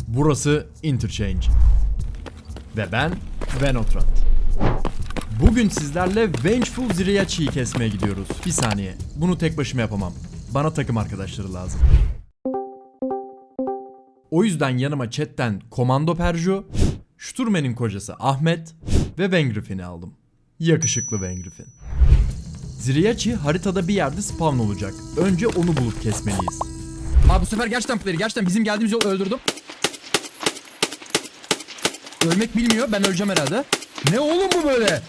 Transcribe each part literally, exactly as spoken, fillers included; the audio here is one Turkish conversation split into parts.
Burası Interchange. Ve ben Venotrat. Bugün sizlerle Vengeful Zryachi'yi kesmeye gidiyoruz. Bir saniye. Bunu tek başıma yapamam. Bana takım arkadaşları lazım. O yüzden yanıma chatten Komando Perju, Sturmen'in kocası Ahmet ve Vengrifin'i aldım. Yakışıklı Vengrifin. Zryachi haritada bir yerde spawn olacak. Önce onu bulup kesmeliyiz. Abi bu sefer gerçekten player'i gerçekten bizim geldiğimiz yolu öldürdüm. Ölmek bilmiyor. Ben öleceğim herhalde. Ne oğlum bu böyle?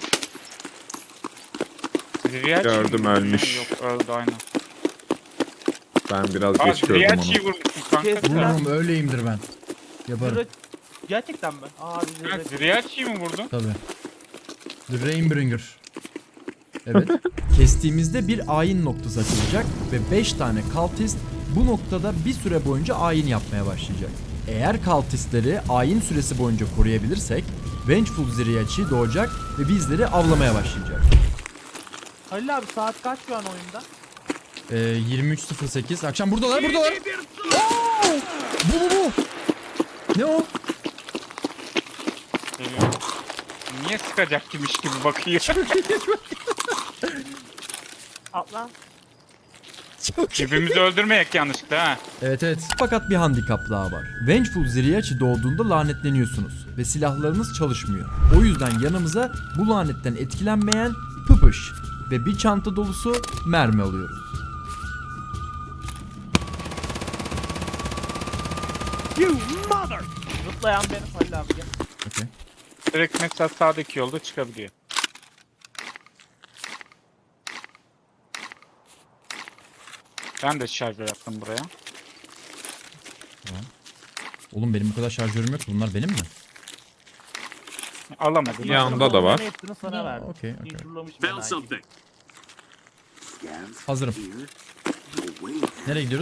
Zryachi Gördüm, mi? ölmüş. Yok öldü aynen. Ben biraz Aa geç gördüm Zryachi'yi onu. vurmuşsun kanka. Kes. sen. Vururum, öyleyimdir ben. Yaparım. Zırh- Gerçekten mi? Abi Ha, zırh- Zryachi'yi mi vurdun? Tabii. The Rainbringer. Evet. Kestiğimizde bir ayin noktası açılacak ve beş tane cultist bu noktada bir süre boyunca ayin yapmaya başlayacak. Eğer cultistleri ayin süresi boyunca koruyabilirsek Vengeful Zryachi doğacak ve bizleri avlamaya başlayacak. Halil abi saat kaç şu an oyunda? Ee, yirmi üç sıfır sekiz. Akşam buradalar, buradalar. Oo! Bu bu bu. Ne o? Geliyor. Niye sıkacakmış gibi bakıyor. Atlan. Birbirimizi öldürmeyek yanlışlıkla ha. Evet evet. Fakat bir handikap daha var. Vengeful Zryachi doğduğunda lanetleniyorsunuz ve silahlarınız çalışmıyor. O yüzden yanımıza bu lanetten etkilenmeyen pıpış ve bir çanta dolusu mermi alıyoruz. Zıplayan benim Halil abi gel. Okay. Direkt mesela sağdaki yolda çıkabiliyor. Ben de şarjör yaptım buraya. Oğlum benim bu kadar şarjörüm yok. Bunlar benim mi? Alamadım. Ya. Yanında da var. Ben hepsini sana verdim. Okey, okey. İnşurlamış Found ben something. Hazırım. Nereye gidiyoruz?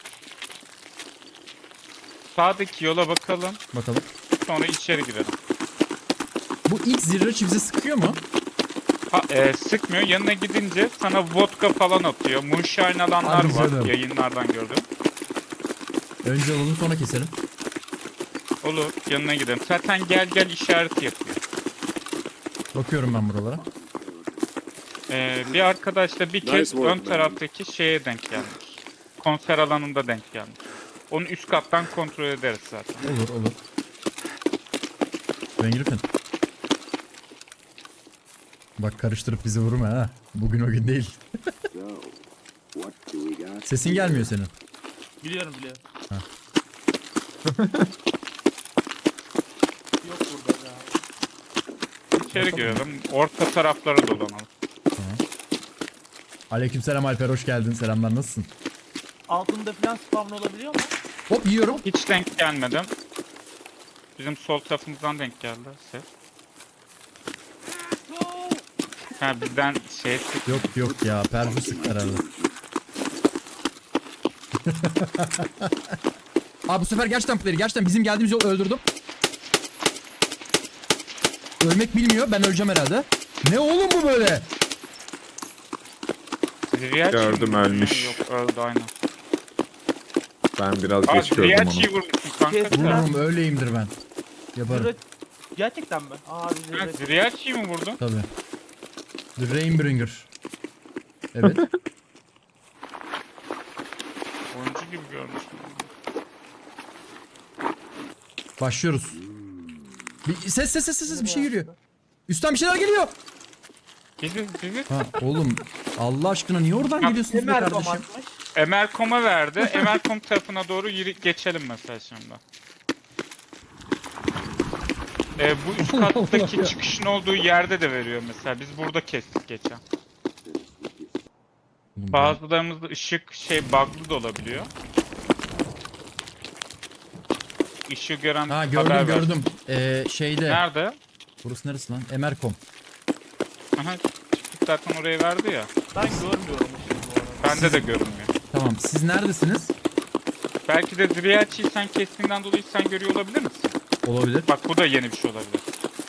Sağdaki yola bakalım. Bakalım. Sonra içeri girelim. Bu ilk Zryachi bize sıkıyor mu? Ha, e, sıkmıyor. Yanına gidince sana vodka falan atıyor. Moonshine alanlar Hadi var. canım. Yayınlardan gördüm. Önce alalım sonra keselim. Olur. Yanına gidelim. Zaten gel gel işareti yapıyor. Bakıyorum ben buralara. Ee, bir arkadaş da bir kez Nice work, ön man. taraftaki şeye denk gelmiş. Konser alanında denk gelmiş. Onu üst kattan kontrol ederiz zaten. Olur olur. Vengrifin. Bak karıştırıp bizi vurma ha. Bugün o gün değil. Sesin gelmiyor senin. Biliyorum biliyorum. Ha. Yok burada ya. İçeri girelim. Orta taraflara dolanalım. Aleykümselam Alper, hoş geldin. Selamlar, nasılsın? Altında falan spawn olabiliyor mu? Hop yiyorum. Hiç denk gelmedim. Bizim sol tarafımızdan denk geldi ses. Ha bizden şey sık. Yok yok ya, Perju sıktı herhalde. Abi bu sefer gerçekten player'i gerçekten bizim geldiğimiz yolu öldürdüm. Ölmek bilmiyor. Ben öleceğim herhalde. Ne oğlum bu böyle? Zryachi Gördüm, mi? ölmüş. Yok öldü aynen. Ben biraz Aa geç gördüm Zryachi'yi onu. vurmuşsun kanka. Kes. sen. Vururum, öyleyimdir ben. Yaparım. Zırh- Gerçekten mi? Abi Ha, zırh- Zryachi'yi mi vurdun? Tabii. The Rainbringer. Evet. Oyuncu gibi görmüştüm. Başlıyoruz. Bir ses ses ses ses bir şey geliyor. Üstten bir şeyler geliyor. Bizi, bizi Ha oğlum, Allah aşkına niye oradan geliyorsunuz be Emer kardeşim? atmış. Emerkom'a verdi. Emerkom tarafına doğru yürü, geçelim mesela şimdi. Ee, bu üst kattaki çıkışın olduğu yerde de veriyor mesela. Biz burada kestik geçen. Bazılarımızda ışık şey bug'lı da olabiliyor. Işığı gören Ha haber gördüm ver. gördüm. Ee, şeyde. Nerede? Burası neresi lan? Emerkom. Aha, çıktık zaten oraya verdi ya. Ben görmüyorum ışığı bu arada. Bende de görünmüyor. Tamam, siz neredesiniz? Belki de Zryachi'yi sen kestiğinden dolayı sen görüyor olabilir misin? Olabilir. Bak bu da yeni bir şey olabilir.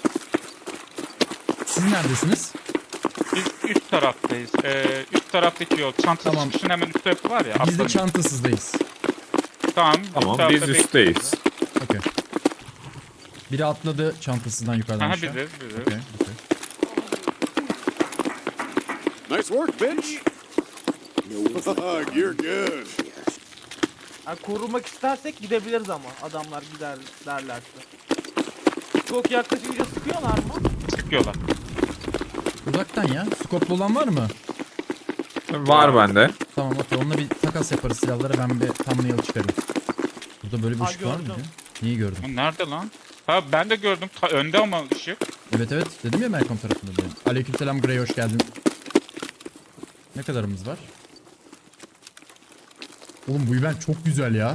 Siz neredesiniz? Biz üst taraftayız. Ee, üst taraftaki yol. Çanta Tamam. çıkışının hemen üst tarafı var ya. Biz de atlanın. çantasızdayız. Tamam. Tamam, üst tarafta biz üstteyiz. Okey. Biri atladı çantasından yukarıdan Aha aşağı. bilir bilir. Okey, okey. Nice work, bitch. You're good. Yani korumak istersek gidebiliriz ama adamlar gider derlerse. Çok yaklaşınca sıkıyorlar mı? Çıkıyorlar. Uzaktan ya. Skoplu olan var mı? Var bende. Tamam okey. Onunla bir takas yaparız silahlara. Ben bir thumbnail çıkarayım. Burada böyle bir Ha, ışık var mı? gördüm. Niye gördüm? Bu nerede lan? Ha ben de gördüm. Ta önde ama ışık. Evet evet. Dedim ya Melkom tarafında diye. Aleykümselam Grey, hoş geldin. Ne kadarımız var? Oğlum bu event çok güzel ya.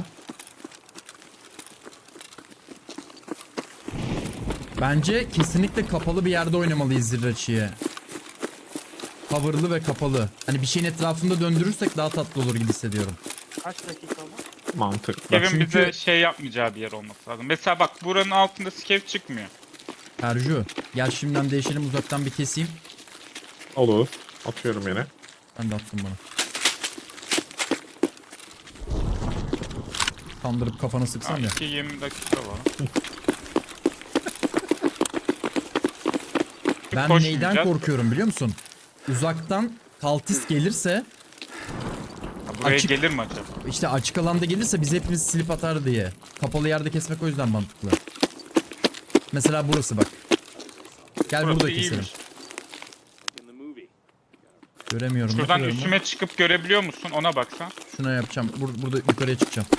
Bence kesinlikle kapalı bir yerde oynamalıyız Zirraçı'yı. Coverlı ve kapalı. Hani bir şeyin etrafında döndürürsek daha tatlı olur gibi hissediyorum. Kaç dakika mı? Mantıklı. Kevin çünkü- bize şey yapmayacağı bir yer olması lazım. Mesela bak buranın altında skev çıkmıyor. Erju gel şimdiden değişelim, uzaktan bir keseyim. Olur. Atıyorum yine. Ben de attım bana. Kandırıp kafana sıksan Ha, ya. iki yirmi dakika var. Ben Koşmayacağız. neyden korkuyorum biliyor musun? Uzaktan kaltist gelirse, Ha, buraya Açık- gelir mi acaba? işte açık alanda gelirse biz hepimiz silip atar diye. Kapalı yerde kesmek o yüzden mantıklı. Mesela burası bak. Gel Burası burada keselim. iyiymiş. Göremiyorum. Şuradan yapıyorum mu? üstüme çıkıp görebiliyor musun? Ona baksan. Şuna yapacağım. Bur- burada yukarıya çıkacağım.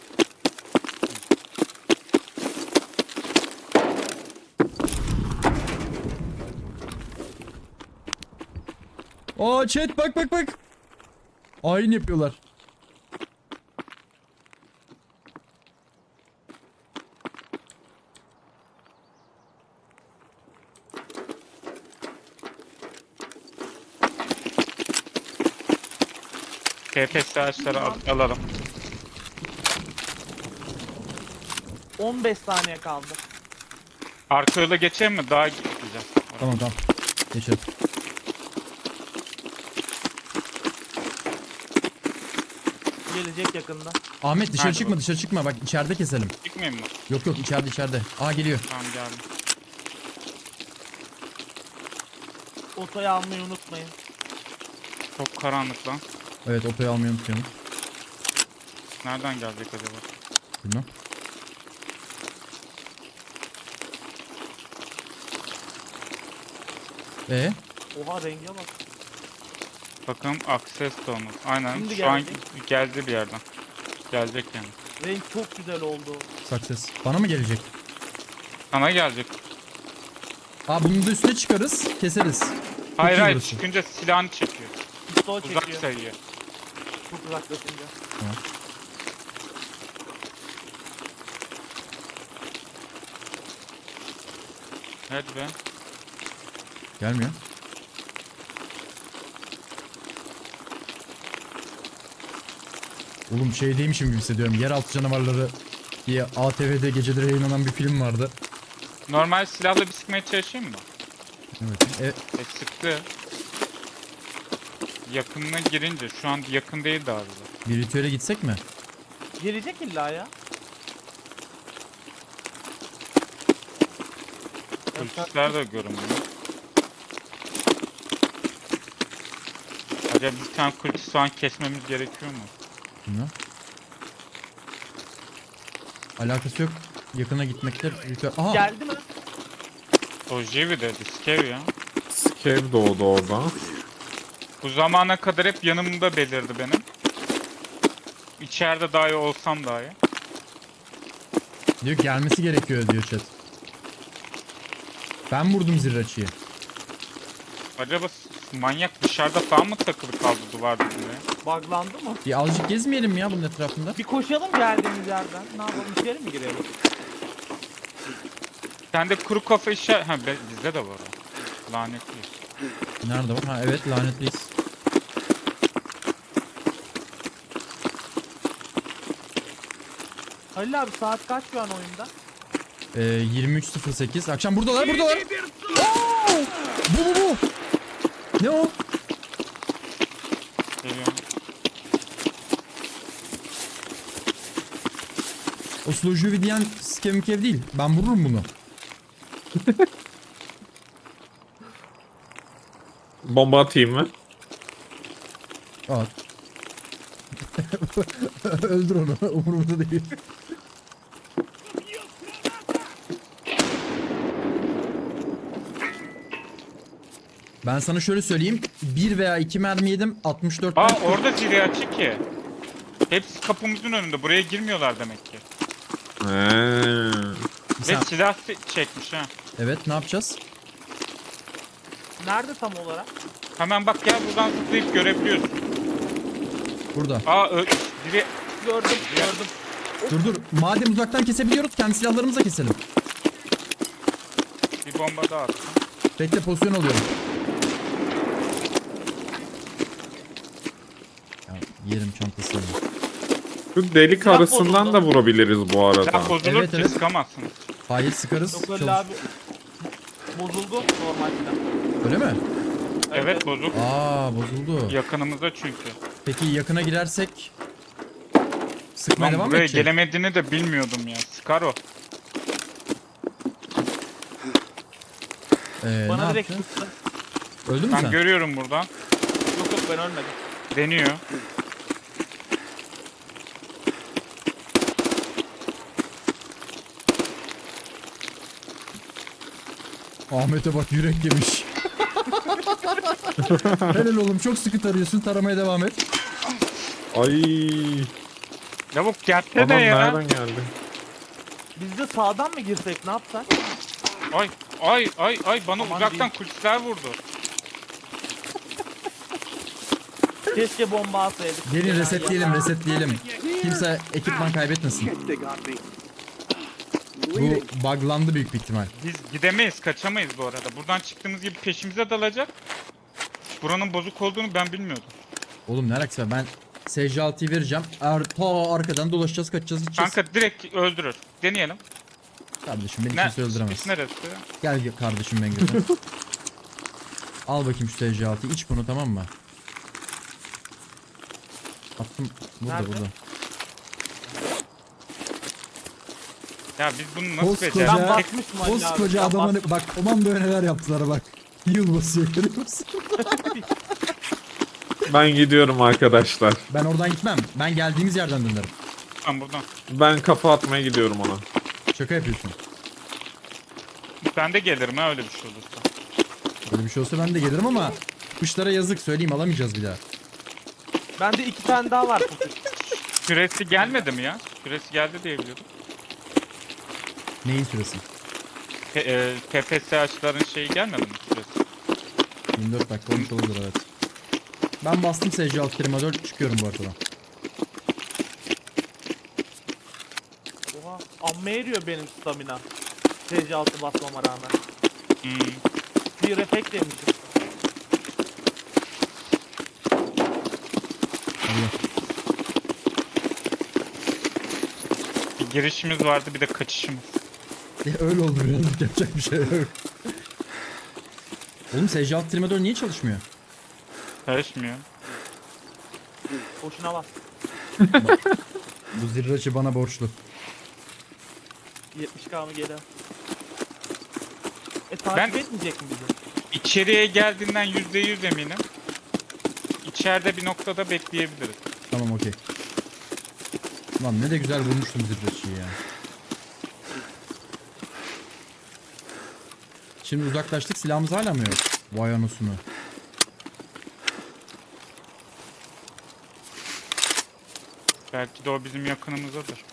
Aa chat bak bak bak. Ayin yapıyorlar. T P S ağaçları al alalım. on beş saniye kaldı. Arka yola geçeyim mi? Daha gideceğim. Tamam tamam. Geçelim. Gelecek yakında. Ahmet dışarı Hadi çıkma, bakalım. dışarı çıkma. Bak içeride keselim. Çıkmayayım mı? Yok yok, içeride içeride. Aa geliyor. Tamam geldim. Otoyu almayı unutmayın. Çok karanlık lan. Evet, otoyu almayı unutmayalım. Nereden gelecek acaba? Bilmem. Ee, Oha renge bak. Bakın access to olmaz. Aynen Şimdi şu an geldi. geldi bir yerden. Gelecek yani. Renk çok güzel oldu. success. Bana mı gelecek? Sana gelecek. Aa bunun da üstüne çıkarız, keseriz. Hayır iyi hayır burası. çıkınca silahını çekiyor. Pistol Uzak çekiyor. sayıyor. Çok uzaklaşınca. Tamam. Hadi be. Gelmiyor. Oğlum şey değilmişim gibi hissediyorum. Yeraltı canavarları diye A T V'de geceleri yayınlanan bir film vardı. Normal silahla bir sıkmaya çalışayım mı? Evet. E, E sıktı. Yakınına girince şu an yakın değil daha bize. bir ritüele gitsek mi? Gelecek illa ya. Polisler de görünmüyor. Acaba bir tane kulüs soğan kesmemiz gerekiyor mu? Bilmem. Alakası yok. Yakına gitmekte ritüel... Aha! Geldi mi? O Jivi dedi, Skev ya. Skev doğdu orada. Bu zamana kadar hep yanımda belirdi benim. İçeride dahi olsam dahi. Diyor ki gelmesi gerekiyor diyor chat. Ben vurdum zirraçıyı. Acaba s- manyak dışarıda falan mı takılı kaldı duvar dibine? Buglandı mı? Bir azıcık gezmeyelim mi ya bunun etrafında? Bir koşalım geldiğimiz yerden. Ne yapalım içeri mi girelim? Sende kuru kafa işe... Ha be- bizde de var o. Lanetliyiz. Nerede var? Ha evet, lanetliyiz. Halil abi saat kaç şu an oyunda? Ee, yirmi üç sıfır sekiz. Akşam buradalar, buradalar. Oo! Bu bu bu. Ne o? Geliyorum. O Slowjuvi diyen skemikev değil. Ben vururum bunu. Bomba atayım mı? At. Öldür onu. Umurumda değil. Ben sana şöyle söyleyeyim. Bir veya iki mermi yedim. altmış dört Aa tane- orada zili açık ki. Hepsi kapımızın önünde. Buraya girmiyorlar demek ki. He. Bir Ve sen- silah se- çekmiş ha. Evet, ne yapacağız? Nerede tam olarak? Hemen bak gel buradan zıplayıp görebiliyorsun. Burada. Aa ö- biri Gördüm, gördüm. Dur dur. Madem uzaktan kesebiliyoruz, kendi silahlarımızla keselim. bir bomba daha attı. Bekle, pozisyon alıyorum. Ya, yerim çantasını. Şu delik Silah arasından bozuldu. da vurabiliriz bu arada. Silah bozulur Evet, ki evet. sıkamazsınız. Hayır, sıkarız. Yok öyle Çalış- abi. Bozuldu normal silah. Öyle mi? Evet bozuk. Aa, bozuldu. Yakınımızda çünkü. Peki yakına girersek sıkmaya Lan devam mı buraya edecek? gelemediğini de bilmiyordum ya. Sıkar o. Ee, ne Bana direkt yaptı? tuttu. Öldü mü Ben sen? görüyorum buradan. Yok yok ben ölmedim. Deniyor. Ahmet'e bak, yürek yemiş. Helal oğlum, çok sıkı tarıyorsun, taramaya devam et. Ay. Lavuk gelse Adam de ya. nereden geldi? Biz de sağdan mı girsek ne yapsak? Ay ay ay ay bana Aman uzaktan diyeyim. kulisler vurdu. Keşke bomba atsaydık. Gelin Ya, resetleyelim, ya. resetleyelim. Kimse ekipman kaybetmesin. They got me. Bu Bleeding. buglandı büyük bir ihtimal. Biz gidemeyiz, kaçamayız bu arada. Buradan çıktığımız gibi peşimize dalacak. Buranın bozuk olduğunu ben bilmiyordum. Oğlum ne alakası var? Ben S C altıyı vereceğim. Er, ta arkadan dolaşacağız, kaçacağız, gideceğiz. Kanka direkt öldürür. Deneyelim. Kardeşim beni Ne? kimse öldüremez. Çıkış neresi? Gel gel kardeşim ben götür. Al bakayım şu S C altıyı, iç bunu, tamam mı? Attım. Burada Nerede? burada. Ya biz bunu nasıl Koskoca- becerdik? Ben basmışım Ali abi. Koskoca ben adama ne- bastım. bak, komandoya neler yaptılar bak. Yıl basıyor, görüyor musun? Ben gidiyorum arkadaşlar. Ben oradan gitmem. Ben geldiğimiz yerden dönerim. Ben buradan. Ben kafa atmaya gidiyorum ona. Şaka yapıyorsun. Ben de gelirim ha öyle bir şey olursa. Böyle bir şey olsa ben de gelirim ama kuşlara yazık, söyleyeyim, alamayacağız bir daha. Bende iki tane daha var kutuş. Süresi gelmedi mi ya? Süresi geldi diye biliyordum. Neyin süresi? P e, P P S açıların şeyi gelmedi mi süresi? yirmi dört dakika olmuş olabilir, evet. Ben bastım S C altı klima dört, çıkıyorum bu arkadan. Oha. Amma eriyor benim stamina. T C altı basmama rağmen. Hmm. Bir efekt demişim. Hadi. Bir girişimiz vardı bir de kaçışımız. Ya öyle oldu birazcık, yapacak bir şey yok. Oğlum S C altı klima dört niye çalışmıyor? Karışmıyor. Boşuna bas. Bu zirraçı bana borçlu. yetmiş K mı geri? E takip Ben- etmeyecek mi bizi? İçeriye geldiğinden yüzde yüz eminim. İçeride bir noktada bekleyebiliriz. Tamam, okey. Lan ne de güzel vurmuştum zirraçıyı ya. Şimdi uzaklaştık, silahımız hala mı yok? Vay anasını. Belki de o bizim yakınımızdadır.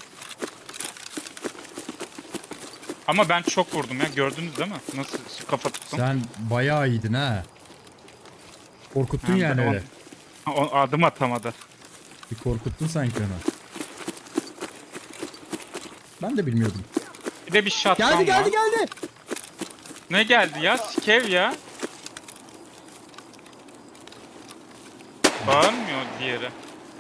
Ama ben çok vurdum ya gördünüz değil mi? Nasıl kafa tuttum? Sen bayağı iyiydin ha. Korkuttun Hem de yani on- öyle. O adım atamadı. Bir korkuttun sanki onu. Ben de bilmiyordum. Bir de bir şatkan Geldi geldi var. geldi. Ne geldi ya? Skev ya. Bağırmıyor diğeri.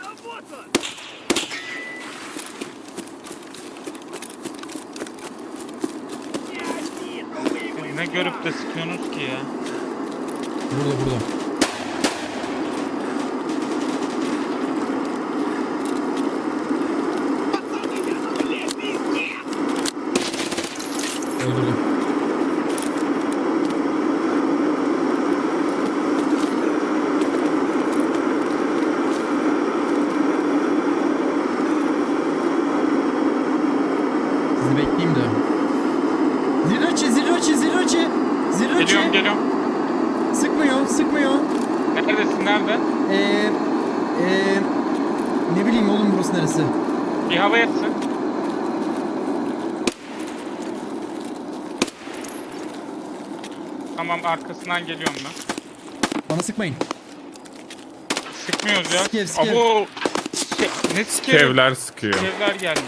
Siz ne görüp de sıkıyorsunuz ki ya? Burada burada. Öldürdüm. bekleyeyim de. Zirachi, Zirachi, Zirachi. Zirachi. Geliyorum geliyorum. Sıkmıyor, sıkmıyor. Neredesin nerede? Eee... Eee... Ne bileyim oğlum burası neresi? Bir hava yatsın. Tamam arkasından geliyorum ben. Bana sıkmayın. Sıkmıyoruz ya. Skev, skev. Abo. Şey, ne skev? Kevler sıkıyor. Skevler gelmiş.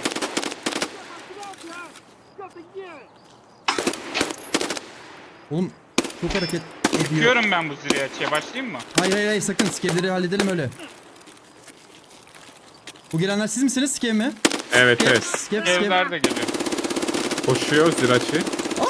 Oğlum çok hareket ediyor. Sıkıyorum ben bu ziriyatçıya. Başlayayım mı? Hayır hayır hayır sakın skevleri halledelim öyle. Bu gelenler siz misiniz skev mi? Evet evet. Skev skev. Skevler de geliyor. Koşuyor Zirachi.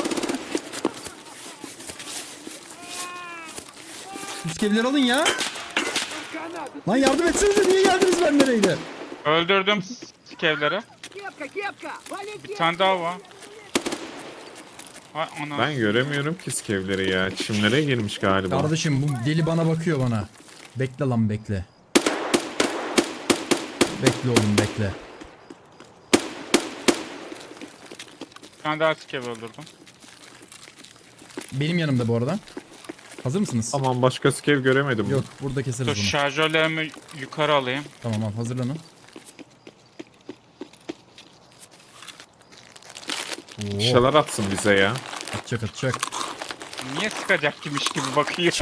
Bu skevleri alın ya. Lan yardım etsenize niye geldiniz ben nereydi? Öldürdüm skevleri. Bir tane daha var. Ay ana. Ben göremiyorum ki skevleri ya. Çimlere girmiş galiba. Kardeşim bu deli bana bakıyor bana. Bekle lan bekle. Bekle oğlum bekle. Bir tane daha skev öldürdüm. Benim yanımda bu arada. Hazır mısınız? Aman başka skev göremedim. Yok burada keseriz Dur bunu. şarjörlerimi yukarı alayım. Tamam abi hazırlanın. Oo, Bir şeyler atsın bize ya. atacak atacak. Niye sıkacak gibiymiş gibi bakıyor.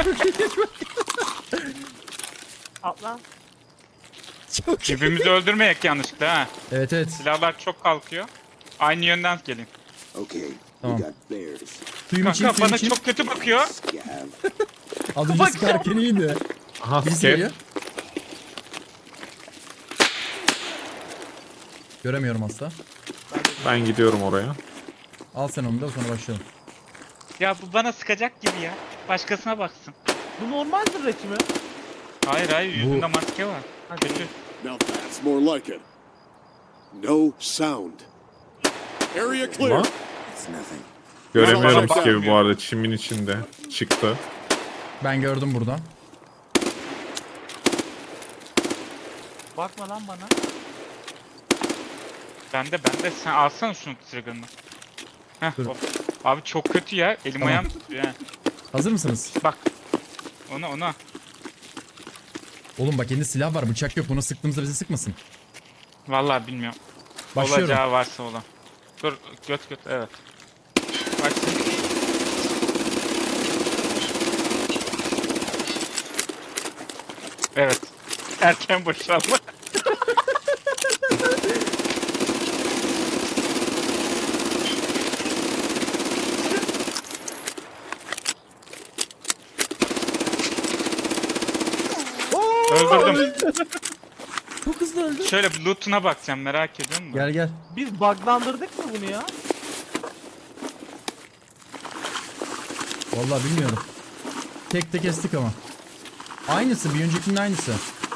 Atla. Çok iyi. Birbirimizi öldürmeyek yanlışlıkla ha. Evet evet. Silahlar çok kalkıyor. Aynı yönden gelin. Okay, Tamam. we got bears. Suyum için Kanka suyum bana için. çok kötü bakıyor. Scav. Az önce sıkarken iyiydi. Aha Birisi skev. geliyor. Göremiyorum asla. Ben gidiyorum oraya. Al sen onu da sonra başlayalım. Ya bu bana sıkacak gibi ya. Başkasına baksın. Bu normal zırhçı mi? Hayır hayır yüzünde maske var. Kötü. Now that's more like it. No sound. Area clear. Ama It's nothing. göremiyorum Bana skevi bu bakmıyor. arada. Çimin içinde. Çıktı. Ben gördüm burada. Bakma lan bana. Bende bende sen alsana şunu trigger'ını. Heh, Dur. hop. Abi çok kötü ya. Elim Tamam. ayağım tutuyor ha. Hazır mısınız? Bak. Ona ona. Oğlum bak elinde silah var bıçak yok. Buna sıktığımızda bizi sıkmasın. Vallahi bilmiyorum. Başlıyorum. Olacağı varsa olan. Dur göt göt evet. Başsın. Evet. Erken boşalma. Öldürdüm. Çok hızlı öldü. Şöyle bir loot'una bakacağım merak ediyor musun? Gel gel. Biz buglandırdık mı bunu ya? Vallahi bilmiyorum. Tek tek kestik ama. Aynısı bir öncekinin aynısı.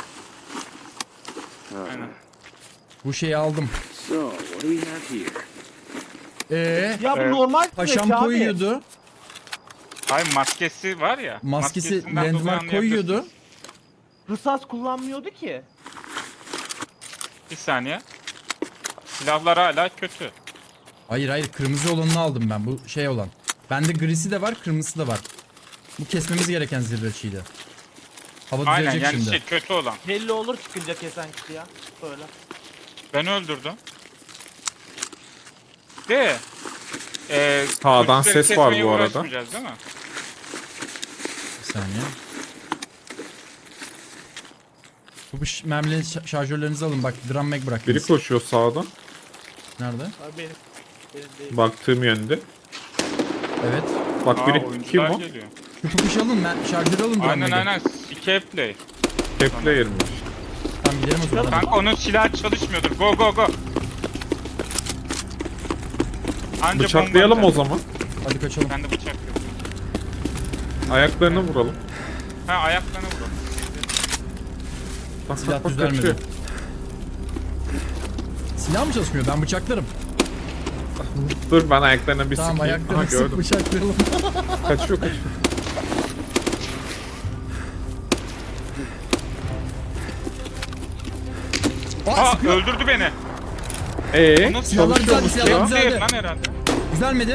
Aynen. Bu şeyi aldım. So, what do we have here? Eee? Ya bu Evet. normal Paşam zırhçı abi. koyuyordu. Hayır maskesi var ya. Maskesi maskesinden dolayı landmark koyuyordu. anlayabilirsiniz. Rısas kullanmıyordu ki. Bir saniye. Silahlar hala kötü. Hayır hayır kırmızı olanını aldım ben. Bu şey olan. Bende grisi de var kırmızısı da var. Bu kesmemiz gereken zirveçiydi. Hava Aynen düzelecek yani şimdi. şey kötü olan. Belli olur çıkınca kesen kişi ya. Böyle. Ben öldürdüm. De. Eee Sağdan polisleri ses var kesmeye bu arada. uğraşmayacağız değil mi? Bir saniye. Bu ş- mermilerin şa- şarjörlerinizi alın bak drum mag Biri bıraktınız. koşuyor sağdan. Nerede? Abi benim. Benim değil. Baktığım yönde. Evet. Bak Aa, biri kim oyuncular o? geliyor. Şu pupuş alın mer- şarjörü alın drum Aynen mag'i. aynen. İki play. Kepler'miş. Tamam gidelim o zaman. Kanka onun silahı çalışmıyordur. Go go go. Anca Bıçaklayalım o bomba zaman. Hadi kaçalım. atar. Bende bıçak yok. Ayaklarını vuralım. Ha ayaklarına vuralım. Bak Silah bak bak düzelmedi. kaçıyor. Silah mı çalışmıyor? Ben bıçaklarım. Dur ben ayaklarına bir Tamam sıkayım. Aha ayaklarını sık gördüm. bıçaklayalım. Kaçıyor kaçıyor. Aa, Aa sıkıyor. öldürdü beni. Ee, O nasıl Silahlar çalışıyor güzeldi, mu silahlar silah? güzeldi. Değil lan herhalde. Düzelmedi.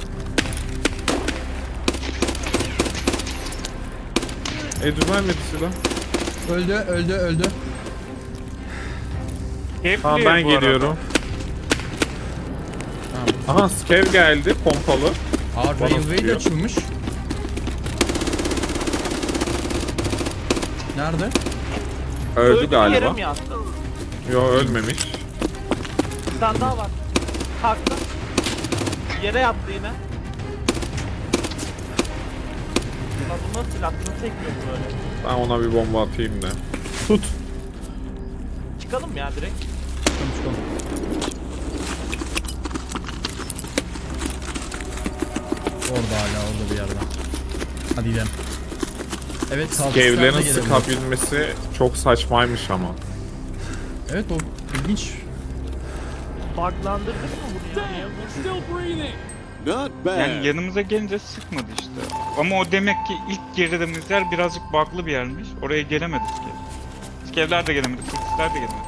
E düzelmedi silah. Öldü, öldü, öldü. Keyifli Tamam bu ben arada. geliyorum. Tamam. Aha skev geldi pompalı. Aa, Bana Railway de sıkıyor. açılmış. Nerede? Öldü Öldü, galiba. yere mi yattı? Yo ölmemiş. Bir tane daha var. Kalktı. Yere yattı yine. Lan bu nasıl silah? Bunu çekmiyor bu böyle. Ben ona bir bomba atayım da. Tut. Çıkalım ya direkt. Çıkalım, çıkalım. Orada hala, orada bir yerde. Hadi gidelim. Evet, kalkışlar da Skevlerin gelebilir. sıkabilmesi çok saçmaymış ama. Evet, o ilginç. Buglandırdık mı bunu ya? Not bad. Yani yanımıza gelince sıkmadı işte. Ama o demek ki ilk girdiğimiz yer birazcık bug'lı bir yermiş. Oraya gelemedik ki. Skevler de gelemedi, Kırkızlar da gelemedi.